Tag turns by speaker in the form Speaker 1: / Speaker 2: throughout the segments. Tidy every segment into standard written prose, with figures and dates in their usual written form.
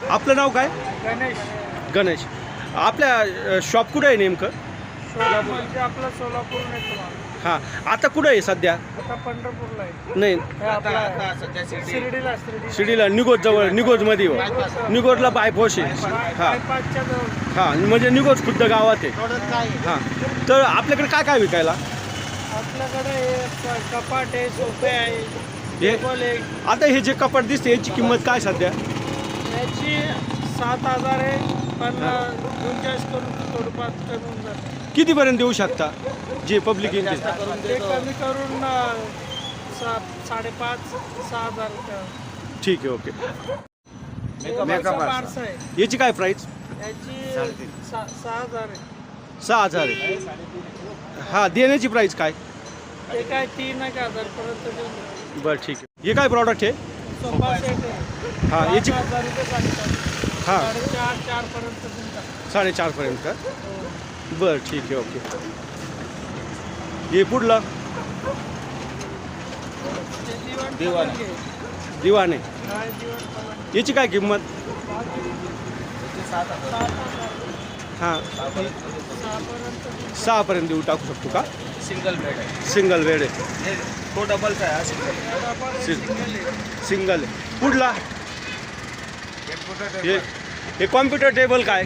Speaker 1: आपलं नाव काय?
Speaker 2: गणेश.
Speaker 1: गणेश. आपल्या शॉप कुठं आहे नेमकं?
Speaker 2: म्हणजे आपलं सोलापूर नाही तुम्हाला.
Speaker 1: हां, आता कुठं आहे सध्या?
Speaker 2: आता पंढरपूरला आहे.
Speaker 1: नाही,
Speaker 2: हे आपला शिर्डीला.
Speaker 1: शिर्डीला निगोज जवळ, निगोजमध्ये हो. निगोजला बायपोश आहे. हां
Speaker 2: बायपासच्या जवळ.
Speaker 1: हां, म्हणजे निगोज खुद्द गावात आहे. हां, तर आपल्याकडे काय काय विकायला?
Speaker 2: आपल्याकडे हे कपाट आहे, सोफे आहे,
Speaker 1: हे
Speaker 2: टेबल आहे.
Speaker 1: आता हे जे कपाट दिसते याची किंमत काय सध्या?
Speaker 2: याची 7,000 आहे, पण 39 करून थोडंफार कमी होऊन जातं.
Speaker 1: कितीपर्यंत देऊ शकता जे पब्लिक येईल ते?
Speaker 2: ते कमी करून 5,500-6,000.
Speaker 1: ठीक आहे, ओके.
Speaker 2: बारसं आहे.
Speaker 1: याची काय प्राईस?
Speaker 2: याची 6,000 आहे.
Speaker 1: 6,000 आहे. हां, देण्याची प्राईस काय?
Speaker 2: ते काय 3,000 पर्यंत देऊन देतो.
Speaker 1: बरं, ठीक आहे. हे काय प्रॉडक्ट आहे?
Speaker 2: सोफा सेट आहे.
Speaker 1: हां, याची
Speaker 2: 5,000 रुपये सांगतात.
Speaker 1: हां
Speaker 2: 4,500 पर्यंत देतात.
Speaker 1: 4,500 पर्यंत का? बरं, ठीक आहे, ओके. हे पुढलं
Speaker 2: दिवाण
Speaker 1: दिवाण आहे.
Speaker 2: पलंग.
Speaker 1: याची काय किंमत?
Speaker 2: 7,000.
Speaker 1: हां
Speaker 2: 6,000
Speaker 1: 6पर्यंत देऊ टाकू शकतो का?
Speaker 3: सिंगल बेड आहे.
Speaker 1: सिंगल बेड आहे.
Speaker 3: तो डबलचा आहे हा सिंगल.
Speaker 1: सिंगल आहे. पुढला हे कॉम्प्युटर टेबल काय?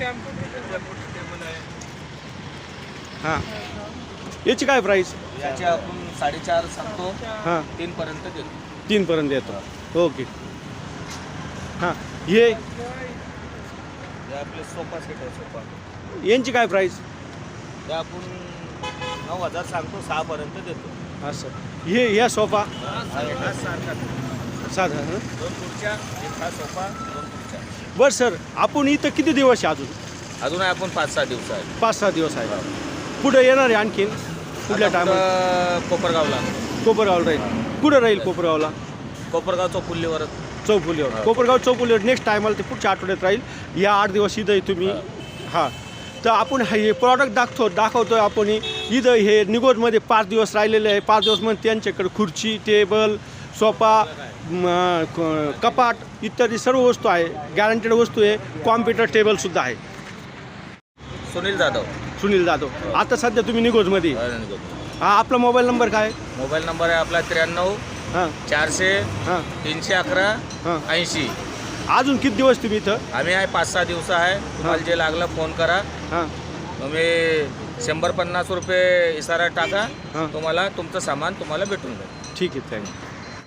Speaker 1: हां, याची काय प्राईस?
Speaker 3: याची आपण 4.5 सांगतो,
Speaker 1: हां
Speaker 3: 3 पर्यंत देतो.
Speaker 1: 3पर्यंत येतो. ओके. हां, हे
Speaker 3: हे आपले सोफा सेट आहे. सोफा
Speaker 1: यांची काय प्राईस?
Speaker 3: ते आपण 9,000 सांगतो, 6 पर्यंत देतो.
Speaker 1: असं हे ह्या सोफा
Speaker 3: हा सारखा
Speaker 1: साधा
Speaker 3: 2 खुर्च्या, एक हा सोफा, 2 खुर्च्या.
Speaker 1: बरं सर, आपण इथं किती दिवस आहे?
Speaker 3: अजून आहे आपण 5-6 दिवस आहे.
Speaker 1: 5-6 दिवस आहे. पुढे येणार आहे आणखीन कुठल्या टायमाला?
Speaker 3: कोपरगावला.
Speaker 1: कोपरगावला राहील. कुठं राहील कोपरगावला?
Speaker 3: कोपरगाव चौफुल्लीवर.
Speaker 1: चौफुलीवर. कोपरगाव चौफुलीवर नेक्स्ट टायमाला ते पुढच्या आठवड्यात राहील. या 8 दिवस इथं तुम्ही. हां, तर आपण हे प्रॉडक्ट दाखवतोय आपण इथं. हे निगोजमध्ये 5 दिवस राहिलेले आहे. 5 दिवस म्हणजे त्यांच्याकडे खुर्ची, टेबल, सोफा, कपाट इत्यादी सर्व वस्तू आहे. गॅरंटेड वस्तू आहे. कॉम्प्युटर टेबलसुद्धा आहे.
Speaker 3: सुनील जाधव.
Speaker 1: सुनील जाधव. आता सध्या तुम्ही निगोजमध्ये. हां, आपला मोबाईल नंबर काय?
Speaker 3: मोबाईल नंबर आहे आपला 93
Speaker 1: हां
Speaker 3: 400
Speaker 1: हां
Speaker 3: 311
Speaker 1: हां.
Speaker 3: 80.
Speaker 1: अजून किती दिवस तुम्ही इथं?
Speaker 3: आम्ही आहे 5-6 दिवस आहे. तुम्हाला जे लागलं फोन करा.
Speaker 1: हां
Speaker 3: तुम्ही 150 रुपये इशारा टाका.
Speaker 1: हां.
Speaker 3: तुम्हाला तुमचं सामान तुम्हाला भेटून जाईल.
Speaker 1: ठीक आहे, थँक्यू.